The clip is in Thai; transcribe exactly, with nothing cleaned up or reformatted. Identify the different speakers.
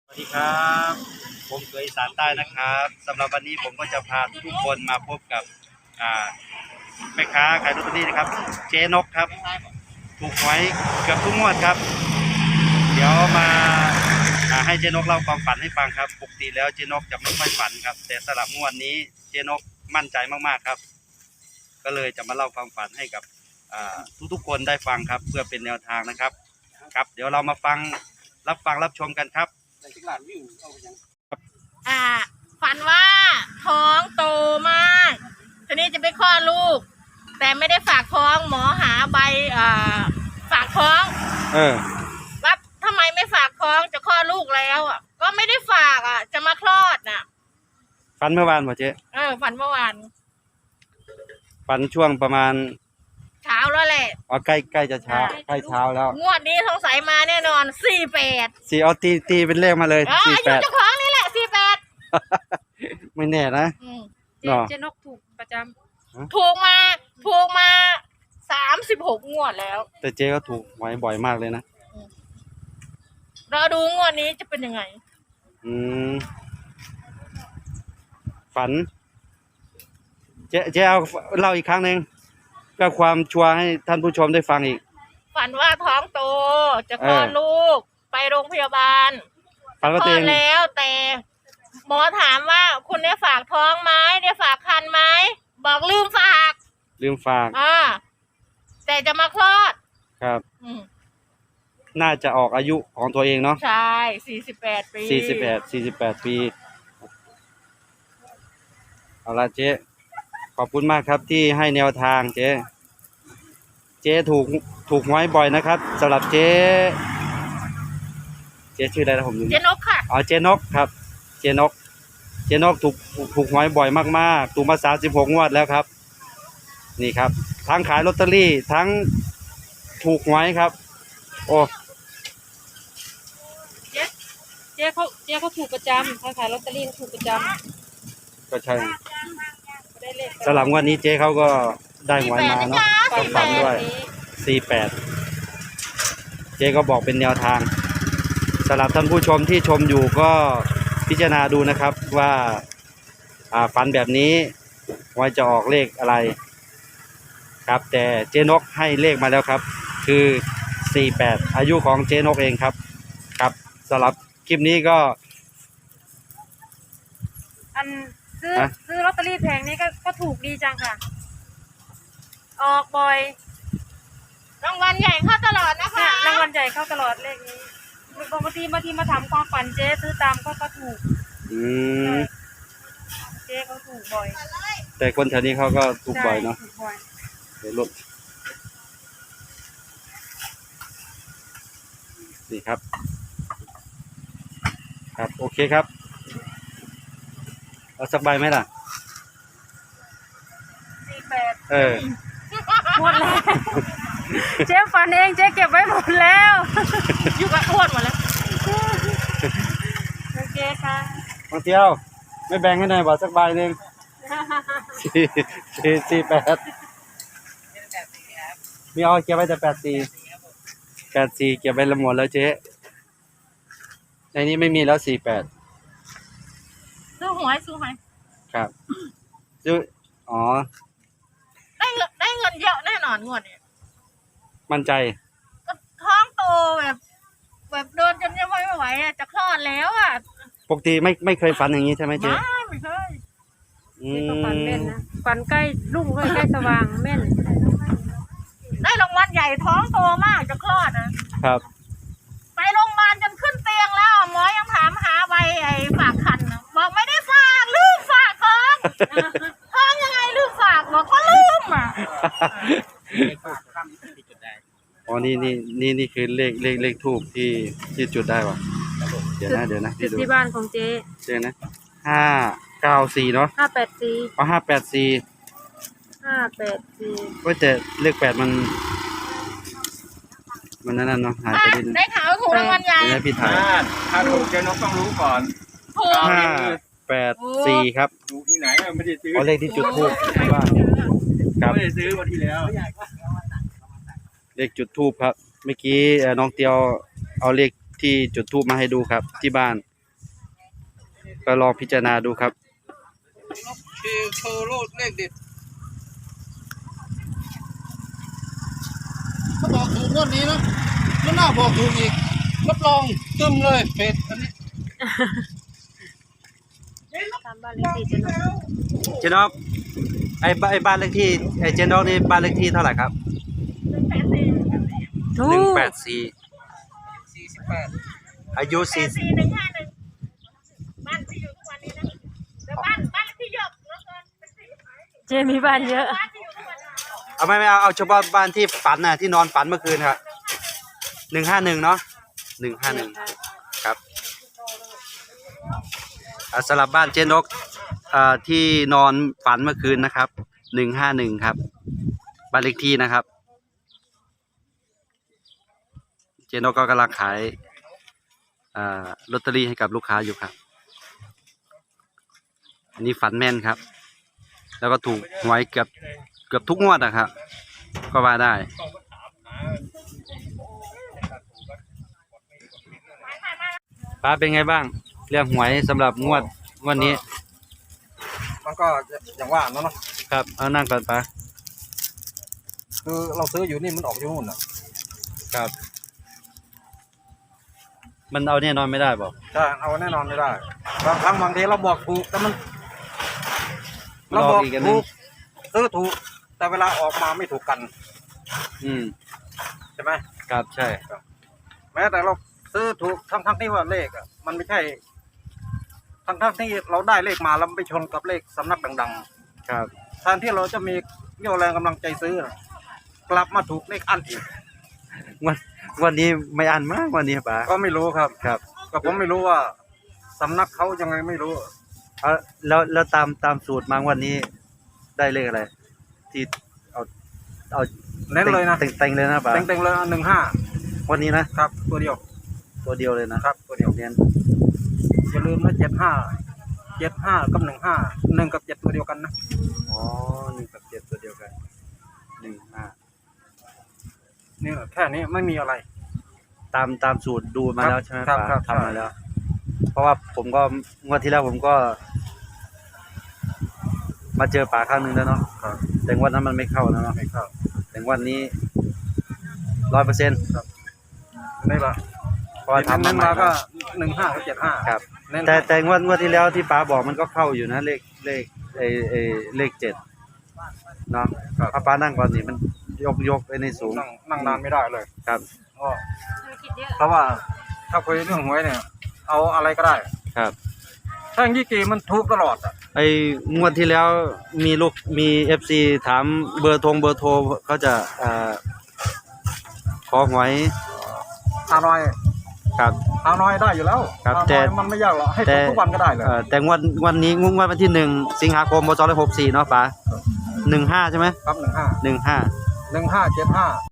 Speaker 1: สวัสดีครับผมเคยอีสานใต้นะครับสำหรับวันนี้ผมก็จะพาทุกคนมาพบกับอ่าแม่ค้าขายลอตเตอรี่นะครับเจ๊นกครับถูกหวยเกือบทุกงวดครับเดี๋ยวมาให้เจ๊นกเล่าความฝันให้ฟังครับปกติแล้วเจ๊นกจะไม่ค่อยฝันครับแต่สำหรับงวดนี้เจ๊นกมั่นใจมากๆครับก็เลยจะมาเล่าความฝันให้กับทุกๆคนได้ฟังครับเพื่อเป็นแนวทางนะครับครับเดี๋ยวเรามาฟังรับฟังรับชมกันครับ
Speaker 2: อ่าฝันว่าท้องโตมากทีนี้จะไปคลอดลูกแต่ไม่ได้ฝากท้องหมอหาใบอ่าฝากท้อง
Speaker 1: เออ
Speaker 2: ว่าทำไมไม่ฝากท้องจะคลอดลูกแล้วอ่ะก็ไม่ได้ฝากอ่ะจะมาคลอดน่ะ
Speaker 1: ฝันเมื่อวานป่ะเจ๊
Speaker 2: เออฝันเมื่อวาน
Speaker 1: ฝันช่วงประมาณ
Speaker 2: เช้าแล้วแหละ
Speaker 1: อ๋อใกล้ใกล้จะเช้าใกล้เช้าแล้ว
Speaker 2: งวดนี้สงสัยมาแน่นอนสี่แปด
Speaker 1: สี่เอาตีตีเป็นเลขมาเลย
Speaker 2: สี่แปดอายุเจ้าของนี่แหละสี่แปด
Speaker 1: ไม่แน่นะ
Speaker 2: เจ๊เจ๊นกถูกประจำถูกมาถูกมาสามสิบหกงวดแล้ว
Speaker 1: แต่เจ๊ก็ถูกไว้บ่อยมากเลยนะ
Speaker 2: เราดูงวดนี้จะเป็นยังไง
Speaker 1: อืมฝันเจ๊เจ๊เอาเล่าอีกครั้งหนึ่งเพื่อความชัวร์ให้ท่านผู้ชมได้ฟังอีก
Speaker 2: ฝันว่าท้องโตจะคลอดลูกไปโรงพยาบาล
Speaker 1: ฝันว่าตัวเอง
Speaker 2: แล้วแต่หมอถามว่าคุณได้ฝากท้องไหมได้ฝากคันไหมบอกลืมฝาก
Speaker 1: ลืมฝาก
Speaker 2: อ่าแต่จะมาคลอด
Speaker 1: ครับน่าจะออกอายุของตัวเองเนาะ
Speaker 2: ใช่สี่สิบแปดปี
Speaker 1: สี่สิบแปดสี่สิบแปดปีเอาละเจ๊ขอบคุณมากครับที่ให้แนวทางเจ๊เจ๊ถูกถูกหวยบ่อยนะครับสำหรับเจ๊เจ๊ชื่ออะไรนะผมลืม
Speaker 2: เจ๊นกค่ะ
Speaker 1: อ๋อเจ๊นกครับเจ๊นกเจ๊นกถูกถูกหวยบ่อยมากๆถูกมาสามสิบหกงวดแล้วครับนี่ครับทั้งขายลอตเตอรี่ทั้งถูกหวยครับโอ้
Speaker 2: เจ๊เจ๊เขาเจ๊เขาถูกประจำทั้งขายลอตเตอรี่ถูกประจำ
Speaker 1: ก็ใช่สำหรับงวดนี้เจ๊เขาก็ได้หวยมาเนาะต้องฝันด้วยสี่แปดเจ๊ก็บอกเป็นแนวทางสำหรับท่านผู้ชมที่ชมอยู่ก็พิจารณาดูนะครับว่าฝันแบบนี้ว่าจะออกเลขอะไรครับแต่เจ๊นกให้เลขมาแล้วครับคือสี่แปดอายุของเจ๊นกเองครับครับสำหรับคลิปนี้ก็
Speaker 2: อันซื้อซื้อลอตเตอรี่แผงนี้ก็ก็ถูกดีจังค่ะออกบ่อยรางวัลใหญ่เข้าตลอดนะคะรางวัลใหญ่เข้าตลอดเลขนี้บางทีบางทีมาถามความฝันเจ๊ซื้อตามก็ก็ถูก
Speaker 1: อืม
Speaker 2: เจ๊เขาถูกบ่อย
Speaker 1: แต่คนแถวนี้เขาก็ถูกบ่อยเนาะเดี๋ยวลดนี่ครับครับโอเคครับเอาสักใบไหมล่ะ
Speaker 2: สี่แปด
Speaker 1: เออ
Speaker 2: หมดแล้วเจ๊ฝันเองเจ๊เก็บไว้หมดแล้วอยู่กับอ้วนหมดแล้วโอเคค่ะ
Speaker 1: บางเที่ยวไม่แบ่งให้หน่อยบอกสักใบหนึ่งสี่สี่สี่แปดมีเอาเก็บไว้แต่แปดสี่แปดสี่เก็บไว้ละหมดแล้วเจ๊ในนี้ไม่มีแล้วสี่แปด
Speaker 2: ซื้อหวยซื้อหวย
Speaker 1: ครับซื้ออ๋อ
Speaker 2: ได้เงินได้เงินเยอะแน่นอนงวดนี้
Speaker 1: มั่นใจ
Speaker 2: ก็ท้องโตแบบแบบโดนจนยังไม่ไหวอ่ะจะคลอดแล้วอ่ะ
Speaker 1: ปกติไม่ไม่เคยฝันอย่างนี้ใช่ไหมเจ๊
Speaker 2: ไม่ไม่เคย
Speaker 1: อืม
Speaker 2: ฝันแม่นนะฝันใกล้รุ่งใกล้ใกล้สว่างแม่นได้รางวัลใหญ่ท้องโตมากจะคลอดนะครับไปโรงพยาบาลจนขึ้นเตียงแล้วหมอยังถามหาใบไอ้ฝากคันบอกไม่ได้ฝากลืมฝากท้องท้องยังไงลืมฝากบอกก็ลืมอ่ะ
Speaker 1: อ๋อนี่นี่นี่นี่คือเลขเลขเลขทูบที่ที่จุดได้ป่ะเดี๋ยวนะเดี๋ยวนะ
Speaker 2: จุดที่บ้านของเจ๊
Speaker 1: เจ๊นะห้าเก้าสี่เนาะ
Speaker 2: ห้าแปดสี่
Speaker 1: อ๋อห้าแปดสี่
Speaker 2: ห้าแปดสี่
Speaker 1: ก็แต่เลขแปดมันมันนั่นเนาะหายไปนิดนึง
Speaker 2: ได้ข่าวถูกรางวัลใหญ่
Speaker 1: ได้พี่ถ่าย
Speaker 3: ถ้าถูกเจ๊นกต้องรู้ก่อน
Speaker 1: ห้าแปดสี่ครับ
Speaker 3: ดูที่ไหนไม่ได้ซื้อ
Speaker 1: เอาเลขที่จุดทูบว่าครับ
Speaker 3: ไม่ได้ซื้อวันที่แล้ว
Speaker 1: เลขจุดทูบครับเมื่อกี้น้องเตียวเอาเลขที่จุดทูบมาให้ดูครับที่บ้านก็ลองพิจารณาดูครับ
Speaker 3: คือโชว์โลดเลขเด็ดเขาบอกถูกงวดนี้นะไม่น่าบอกถูกอีกรับรองตึมเลยเป็ดอันนี้
Speaker 2: ตามบ้านเลขที่เจนก
Speaker 1: เจนอกไอ้บ้านไอ้บ้านเลขที่ไอ้เจนอกนี่บ้านเลขที่เท่าไหร่ครับ
Speaker 2: ถู
Speaker 1: หนึ่ง
Speaker 2: ก
Speaker 1: แปดสี่
Speaker 3: สี่สิบแปด
Speaker 1: อายุ
Speaker 2: สี่
Speaker 1: สี่
Speaker 2: สี่หนึ่งห้าหนึ่งบ้านที่อยู่ทุกวันนี้นะแต่บ้านบ้านเลขที่เยอะแล้วก็เป็นสี่
Speaker 4: เจมีบ้านเยอะ
Speaker 2: บ้านที่อยู่ทุกวันนี้
Speaker 1: เอาไม่ไม่เอาเอาเฉพาะบ้านที่ฝันน่ะที่นอนฝันเมื่อคืนครับหนึ่งห้าหนึ่งเนาะหนึ่งห้าหนึ่งครับอ่าสำหรับบ้านเจนกอ่าที่นอนฝันเมื่อคืนนะครับหนึ่งห้าหนึ่งครับบ้านเลขที่นะครับเจนกก็กำลังขายอ่าลอตเตอรี่ให้กับลูกค้าอยู่ครับอันนี้ฝันแม่นครับแล้วก็ถูกหวยเกือบเกือบทุกงวดนะครับก็ว่าได้ป้าเป็นไงบ้างเรื่องหวยสำหรับงวดงวดนี้
Speaker 3: มันก็อย่างว่าเนาะ
Speaker 1: ครับเอานั่งก่อนป้า
Speaker 3: คือเราซื้ออยู่นี่มันออกอยู่นู่นอ่ะ
Speaker 1: ครับ มันเอาแน่นอนไม่ได้บอก
Speaker 3: ใช่เอาแน่นอนไม่ได้บางครั้งบางทีเราบอกถูกแต่มันเรา
Speaker 1: ล
Speaker 3: บ
Speaker 1: อ
Speaker 3: อก ก
Speaker 1: อีกอันหนึ
Speaker 3: ถู
Speaker 1: ง
Speaker 3: กซื้อถูกแต่เวลาออกมาไม่ถูกกัน
Speaker 1: อืม
Speaker 3: ใช่ไหม
Speaker 1: ครับใช่
Speaker 3: แม้แต่เราซื้อถูกทั้งทั้งที่ว่าเลขอ่ะมันไม่ใช่ทั้งทั้งที่เราได้เลขมาแล้วไปชนกับเลขสำนักดัง
Speaker 1: ครับ
Speaker 3: ๆแทนที่เราจะมีเรี่ยวแรงกำลังใจซื้อน่ะกลับมาถูกเลขอันอีก
Speaker 1: งวันวันนี้ไม่อันมากวันนี้ป้า
Speaker 3: ก็ไม่รู้ครับ
Speaker 1: ครับ
Speaker 3: ก็ผมไม่รู้ว่าสำนักเขายังไงไม่รู้
Speaker 1: เอาแล้วแล้วตามตามสูตรมางวันนี้ได้เลขอะไร ที่เอาเอา
Speaker 3: เน้นเลยนะ
Speaker 1: เต็งเต็งเลยนะป้า
Speaker 3: เต็งๆเลยหนึ่งห้า
Speaker 1: วันนี้นะครับ
Speaker 3: ตัวเดียว
Speaker 1: ตัวเดียวเลยนะครับ
Speaker 3: ตัวเดียว
Speaker 1: เน้น
Speaker 3: อย่าลืมนะเจ็ดห้าเจ็ดห้ากับหนึ่งห้าหนึ่งกับเจ็ดตัวเดียวกันนะ
Speaker 1: อ๋อหนึ่งกับเจ็ดตัวเดียวกันหนึ่งห้า
Speaker 3: นี่แค่นี้ไม่มีอะไร
Speaker 1: ตามตามสูตรดูมาแล้วใช่ไหม
Speaker 3: ครับ
Speaker 1: ป้า
Speaker 3: ครับ
Speaker 1: ทำมาแล้ว เพราะว่าผมก็งวดที่แล้วผมก็ มาเจอป่าครั้งหนึ่งแล้วเนาะ
Speaker 3: ครับ
Speaker 1: แต่งวดนั้นมันไม่เข้าแล้วเนาะ
Speaker 3: ไม่เข้า
Speaker 1: แต่งวดนี้ร้อยเปอร์เซ็นต์
Speaker 3: นี่ละ
Speaker 1: เพราะว่าทำมา
Speaker 3: เน้น
Speaker 1: ใหม่
Speaker 3: มา
Speaker 1: ค
Speaker 3: ก็
Speaker 1: รับ
Speaker 3: หนึ่งห้ากับเจ็ดห้า
Speaker 1: ครับ
Speaker 3: เน้น
Speaker 1: แต่แต่งวดงวดที่แล้วที่ป้าบอกมันก็เข้าอยู่นะเลขเลขเอเอเลขเจ็ดเนาะถ้าป้านั่งก่อนนี่มันยกยกไปในสูง
Speaker 3: นั่งนั่งนานไม่ได้เลย
Speaker 1: ครับ
Speaker 3: ก็
Speaker 2: ธุรกิจเยอะ
Speaker 3: เพราะว่าถ้าคุยเรื่องหวยเนี่ย เอาอะไรก็ได้
Speaker 1: ครับ
Speaker 3: ถ้าอย่างยี่กีมันถูกตลอดอ่ะ
Speaker 1: ไอ้งวดที่แล้วมีลูกมีเอฟซีถามเบอร์โทงเบอร์โทรเขาจะอ่าขอหวย
Speaker 3: ฮานอย
Speaker 1: ครับ
Speaker 3: ฮานอยได้อยู่แล้ว
Speaker 1: ครับ
Speaker 3: ฮาน
Speaker 1: แต่
Speaker 3: อยมันไม่ยากหรอกให้
Speaker 1: แต่
Speaker 3: ถูกทุกวันก็ได้เลย
Speaker 1: เอ่อแต่งวดวันนี้งวดวันที่หนึ่งสิงหาคมพศหกสี่เนาะป้าหนึ่งห้าใช่ไหม
Speaker 3: ครับหนึ่งห้า
Speaker 1: หนึ่งห้า
Speaker 3: หนึ่งห้าเจ็ดห้า